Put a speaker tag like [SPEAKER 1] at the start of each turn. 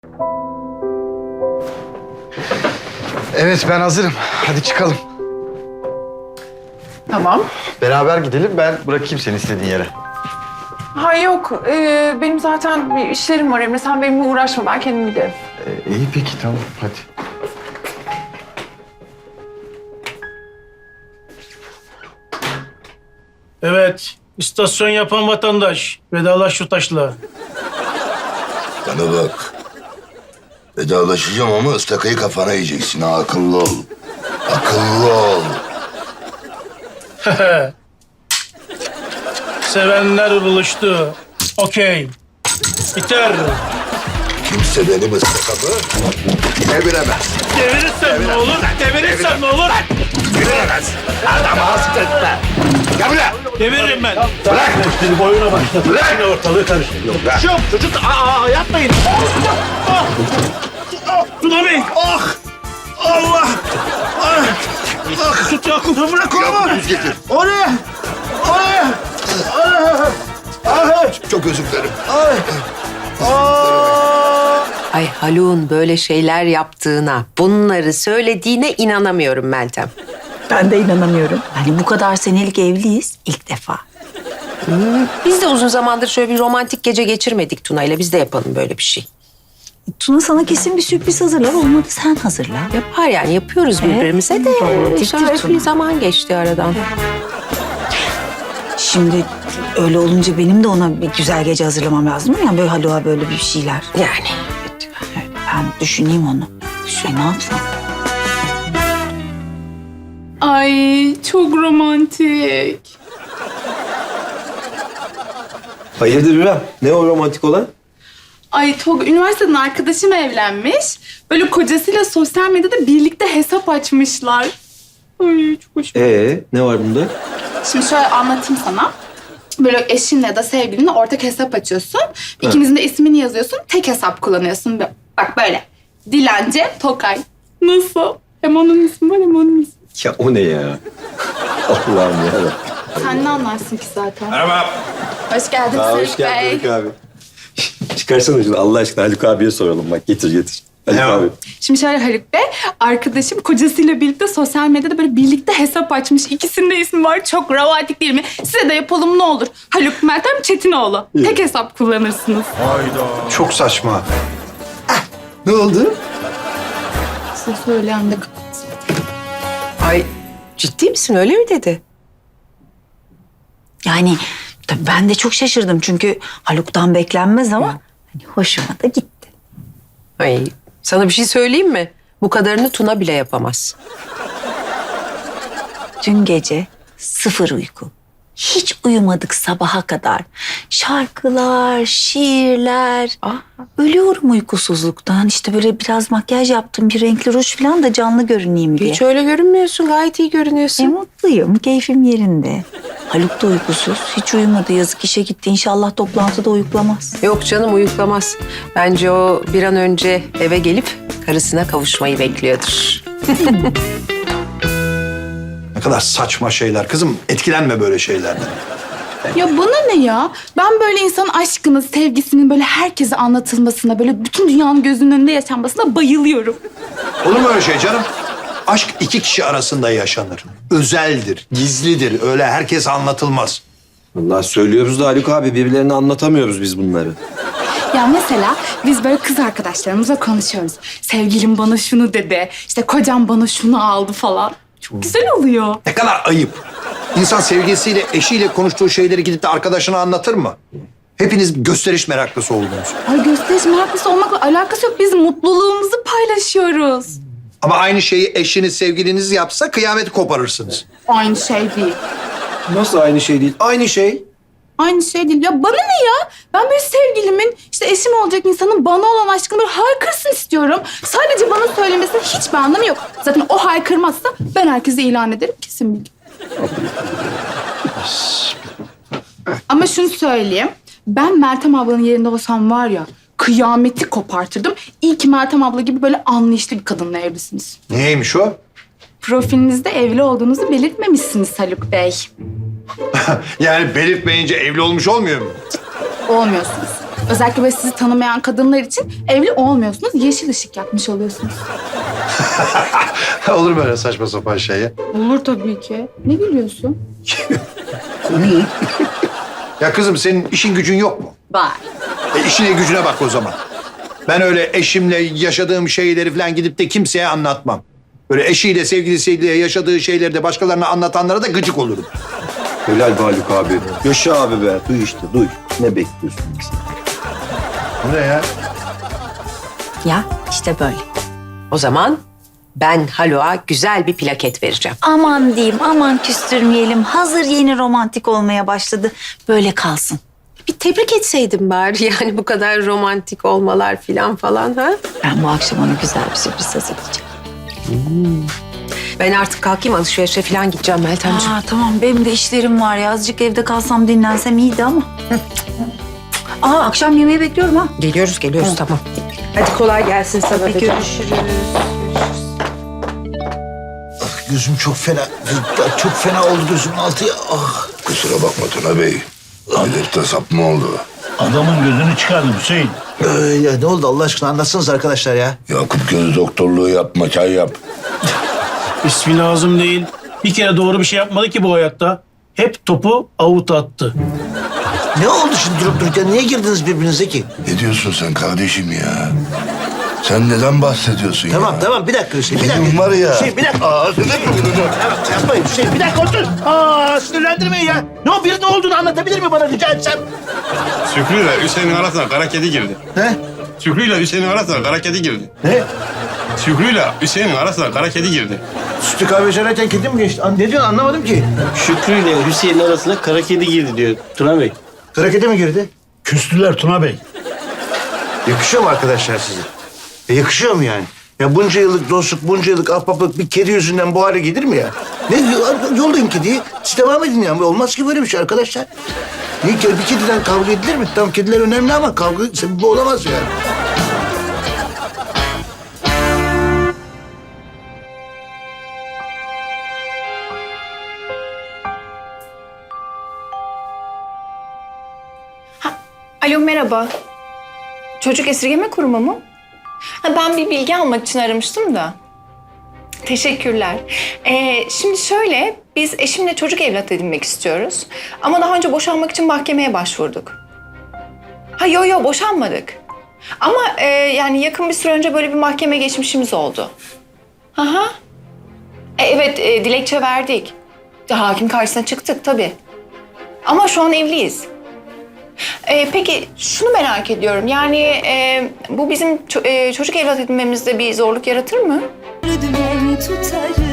[SPEAKER 1] Evet, ben hazırım. Hadi çıkalım.
[SPEAKER 2] Tamam.
[SPEAKER 1] Beraber gidelim, ben bırakayım seni istediğin yere.
[SPEAKER 2] Ha yok, benim zaten bir işlerim var Emre. Sen benimle uğraşma, ben kendim giderim.
[SPEAKER 1] İyi peki, tamam. Hadi.
[SPEAKER 3] Evet, istasyon yapan vatandaş. Vedalaş şu taşla.
[SPEAKER 4] Bana bak. Vedalaşacağım ama ıstakayı kafana yiyeceksin ha. Akıllı ol. Akıllı ol.
[SPEAKER 3] Sevenler buluştu. Okey. Biter.
[SPEAKER 4] Kimse benim ıstakamı deviremez.
[SPEAKER 3] Devirirsen ne olur? Devirirsen ne olur?
[SPEAKER 4] Deviremez. Adamı hasretme. Gel buraya.
[SPEAKER 3] Deviririm ben.
[SPEAKER 4] Bırak.
[SPEAKER 3] Şimdi boyuna başladı.
[SPEAKER 4] Bırak.
[SPEAKER 3] Yine ortalığı karıştırıyor.
[SPEAKER 4] Bırak.
[SPEAKER 3] Çocuk, yapmayın. Tuna Bey. Ah. Allah. Ah. Tut Yakup. Bırak onu.
[SPEAKER 4] Yüz getir.
[SPEAKER 3] O ne? O ne?
[SPEAKER 4] Çok özür dilerim.
[SPEAKER 5] Ay Haluk'un böyle şeyler yaptığına, bunları söylediğine inanamıyorum Meltem.
[SPEAKER 6] Ben de inanamıyorum. Hani bu kadar senelik evliyiz ilk defa.
[SPEAKER 5] Biz de uzun zamandır şöyle bir romantik gece geçirmedik Tuna'yla. Biz de yapalım böyle bir şey.
[SPEAKER 6] Tuna sana kesin bir sürpriz hazırlar. Olmadı sen hazırla.
[SPEAKER 5] Yapar yani, yapıyoruz birbirimize de.
[SPEAKER 6] romantiktir
[SPEAKER 5] Şöyle
[SPEAKER 6] Tuna.
[SPEAKER 5] bir zaman geçti aradan.
[SPEAKER 6] Şimdi öyle olunca benim de ona bir güzel gece hazırlamam lazım. Yani böyle Haluk'a böyle bir şeyler.
[SPEAKER 5] Yani.
[SPEAKER 6] Ben düşüneyim onu. Ne yapsam?
[SPEAKER 7] Ay çok romantik.
[SPEAKER 8] Hayırdır İrem? Ne o romantik olan?
[SPEAKER 7] Ay Tolga üniversiteden arkadaşım evlenmiş. Böyle kocasıyla sosyal medyada birlikte hesap açmışlar. Ay çok hoş.
[SPEAKER 8] Ne var bunda?
[SPEAKER 7] Şimdi şöyle anlatayım sana. Böyle eşinle ya da sevgilinle ortak hesap açıyorsun. İkinizin de ismini yazıyorsun. Tek hesap kullanıyorsun. Bak böyle. Dilence Tokay. Nasıl? Hem onun ismi var hem onun ismi.
[SPEAKER 8] Ya o ne ya? Allah'ım ya.
[SPEAKER 7] Sen ne anlarsın ki zaten?
[SPEAKER 8] Merhaba.
[SPEAKER 7] Hoş geldin
[SPEAKER 8] Hoş
[SPEAKER 7] Haluk Bey.
[SPEAKER 8] geldin Haluk abi. Çıkarsana şunu Allah aşkına Haluk abiye soralım bak. Getir. Haluk abi.
[SPEAKER 7] Şimdi şöyle Haluk Bey, arkadaşım kocasıyla birlikte sosyal medyada böyle birlikte hesap açmış. İkisinin de ismi var. Çok romantik değil mi? Size de yapalım ne olur. Haluk Meltem Çetinoğlu. Tek hesap kullanırsınız.
[SPEAKER 1] Çok saçma.
[SPEAKER 8] Ne oldu?
[SPEAKER 7] Size söyleyen de kapat.
[SPEAKER 5] Ay ciddi misin, öyle mi dedi?
[SPEAKER 6] Yani tabii ben de çok şaşırdım. Çünkü Haluk'tan beklenmez ama hani hoşuma da gitti.
[SPEAKER 5] Ay sana bir şey söyleyeyim mi? Bu kadarını Tuna bile yapamaz.
[SPEAKER 6] Dün gece 0 uyku. Hiç uyumadık sabaha kadar. Şarkılar, şiirler. Ölüyorum uykusuzluktan. İşte böyle biraz makyaj yaptım. Bir renkli ruj falan da canlı görüneyim diye.
[SPEAKER 5] Hiç öyle görünmüyorsun, gayet iyi görünüyorsun.
[SPEAKER 6] Mutluyum. Keyfim yerinde. Haluk da uykusuz. Hiç uyumadı. Yazık işe gitti. İnşallah toplantıda uyuklamaz.
[SPEAKER 5] Yok canım, uyuklamaz. Bence o bir an önce eve gelip karısına kavuşmayı bekliyordur.
[SPEAKER 1] Ne kadar saçma şeyler. Kızım, etkilenme böyle şeylerden.
[SPEAKER 7] Ya bana ne ya? Ben böyle insanın aşkını, sevgisinin böyle herkese anlatılmasına, böyle bütün dünyanın gözünün önünde yaşanmasına bayılıyorum.
[SPEAKER 1] Olur mu öyle şey canım? Aşk iki kişi arasında yaşanır. Özeldir, gizlidir. Öyle herkese anlatılmaz.
[SPEAKER 8] Vallahi söylüyoruz da Haluk abi birbirlerine anlatamıyoruz biz bunları.
[SPEAKER 7] Ya mesela biz böyle kız arkadaşlarımızla konuşuyoruz. Sevgilim bana şunu dedi, işte kocam bana şunu aldı falan. Çok güzel oluyor.
[SPEAKER 1] Ne kadar ayıp. İnsan sevgilisiyle, eşiyle konuştuğu şeyleri gidip de arkadaşına anlatır mı? Hepiniz gösteriş meraklısı oldunuz.
[SPEAKER 7] Ay gösteriş meraklısı olmakla alakası yok. Biz mutluluğumuzu paylaşıyoruz.
[SPEAKER 1] Ama aynı şeyi eşiniz, sevgiliniz yapsa kıyameti koparırsınız.
[SPEAKER 7] Aynı şey değil.
[SPEAKER 8] Nasıl aynı şey değil? Aynı şey.
[SPEAKER 7] Aynı şey değil. Ya bana ne ya? Ben böyle sevgilimin, işte eşim olacak insanın bana olan aşkını böyle haykırsın istiyorum. Sadece bana söylemesinin hiçbir anlamı yok. Zaten o haykırmazsa ben herkese ilan ederim. Kesin bilgi. Ama şunu söyleyeyim. Ben Meltem ablanın yerinde olsam var ya, kıyameti kopartırdım. İyi ki Meltem abla gibi böyle anlayışlı bir kadınla evlisiniz.
[SPEAKER 1] Neymiş o?
[SPEAKER 7] Profilinizde evli olduğunuzu belirtmemişsiniz Haluk Bey.
[SPEAKER 1] Yani belirtmeyince evli olmuş olmuyor mu?
[SPEAKER 7] Olmuyorsunuz. Özellikle böyle sizi tanımayan kadınlar için evli olmuyorsunuz. Yeşil ışık yakmış oluyorsunuz.
[SPEAKER 1] Olur böyle saçma sapan şey ya.
[SPEAKER 7] Olur tabii ki. Ne gülüyorsun?
[SPEAKER 1] Ya kızım senin işin gücün yok mu?
[SPEAKER 7] Var.
[SPEAKER 1] İşine gücüne bak o zaman. Ben öyle eşimle yaşadığım şeyleri falan gidip de kimseye anlatmam. Böyle eşiyle, sevgilisiyle yaşadığı şeyleri de başkalarına anlatanlara da gıcık olurum.
[SPEAKER 8] Helal be Haluk abi. Yaşa abi be. Duy işte duy. Ne bekliyorsun biz?
[SPEAKER 1] Bu ne ya?
[SPEAKER 6] Ya işte böyle.
[SPEAKER 5] O zaman ben Haluk'a güzel bir plaket vereceğim.
[SPEAKER 6] Aman diyeyim, aman küstürmeyelim. Hazır yeni romantik olmaya başladı. Böyle kalsın.
[SPEAKER 5] Bir tebrik etseydim bari yani bu kadar romantik olmalar falan ha.
[SPEAKER 6] Ben bu akşam ona güzel bir sürpriz hazırlayacağım.
[SPEAKER 5] Ben artık kalkayım alışverişe falan gideceğim Meltemciğim.
[SPEAKER 6] Tamam, benim de işlerim var ya. Azıcık evde kalsam dinlensem iyiydi ama. Akşam yemeği bekliyorum ha.
[SPEAKER 5] Geliyoruz tamam. Hadi kolay gelsin sana da.
[SPEAKER 6] Görüşürüz.
[SPEAKER 3] Gözüm çok fena. Çok fena oldu gözümün altı ya. Ah.
[SPEAKER 4] Kusura bakma Tuna Bey. Ameliyata sap mı oldu?
[SPEAKER 3] Adamın gözünü çıkardım Hüseyin. Ya ne oldu Allah aşkına anlatsanız arkadaşlar ya.
[SPEAKER 4] Yakup göz doktorluğu yapma, çay yap.
[SPEAKER 3] İsmi lazım değil. Bir kere doğru bir şey yapmadı ki bu hayatta. Hep topu avut attı. Ne oldu şimdi durup dururken? Niye girdiniz birbirinize ki?
[SPEAKER 4] Ne diyorsun sen kardeşim ya? Sen neden bahsediyorsun ya?
[SPEAKER 3] Tamam bir dakika Hüseyin. Bir
[SPEAKER 4] Benim
[SPEAKER 3] dakika.
[SPEAKER 4] var ya.
[SPEAKER 3] Hüseyin bir dakika. Yapmayın Hüseyin bir dakika otur. Sinirlendirmeyin ya. Ne olduğunu anlatabilir mi bana rica etsem?
[SPEAKER 9] Şükrü ile Hüseyin'in arasına kara kedi girdi.
[SPEAKER 3] He?
[SPEAKER 9] Şükrü ile Hüseyin'in arasına kara kedi girdi.
[SPEAKER 3] Ne?
[SPEAKER 9] Şükrü ile Hüseyin'in arasına kara kedi girdi.
[SPEAKER 3] Sütlü kahve içerken kedi mi geçti? Ne diyorsun anlamadım ki.
[SPEAKER 10] Şükrü ile Hüseyin'in arasına kara kedi girdi diyor Tuna Bey.
[SPEAKER 3] Kara kedi mi girdi?
[SPEAKER 11] Küstüler Tuna Bey.
[SPEAKER 3] Yakışıyor mu arkadaşlar size? Yakışıyor mu yani? Ya bunca yıllık dostluk, bunca yıllık ahbaplık bir kedi yüzünden bu hale gelir mi ya? Ne yollayın kediyi. Siz devam edin yani. Olmaz ki böyle bir şey arkadaşlar. Bir kediden kavga edilir mi? Tamam kediler önemli ama kavga sebebi olamaz yani.
[SPEAKER 2] Alo merhaba. Çocuk esirgeme kurumu mu? Ben bir bilgi almak için aramıştım da. Teşekkürler. Şimdi şöyle, biz eşimle çocuk evlat edinmek istiyoruz. Ama daha önce boşanmak için mahkemeye başvurduk. Yo boşanmadık. Ama yani yakın bir süre önce böyle bir mahkeme geçmişimiz oldu. Aha. Evet, dilekçe verdik. Hakim karşısına çıktık tabii. Ama şu an evliyiz. Peki şunu merak ediyorum. Yani bu bizim çocuk evlat edinmemizde bir zorluk yaratır mı?
[SPEAKER 12] Dümen tutarım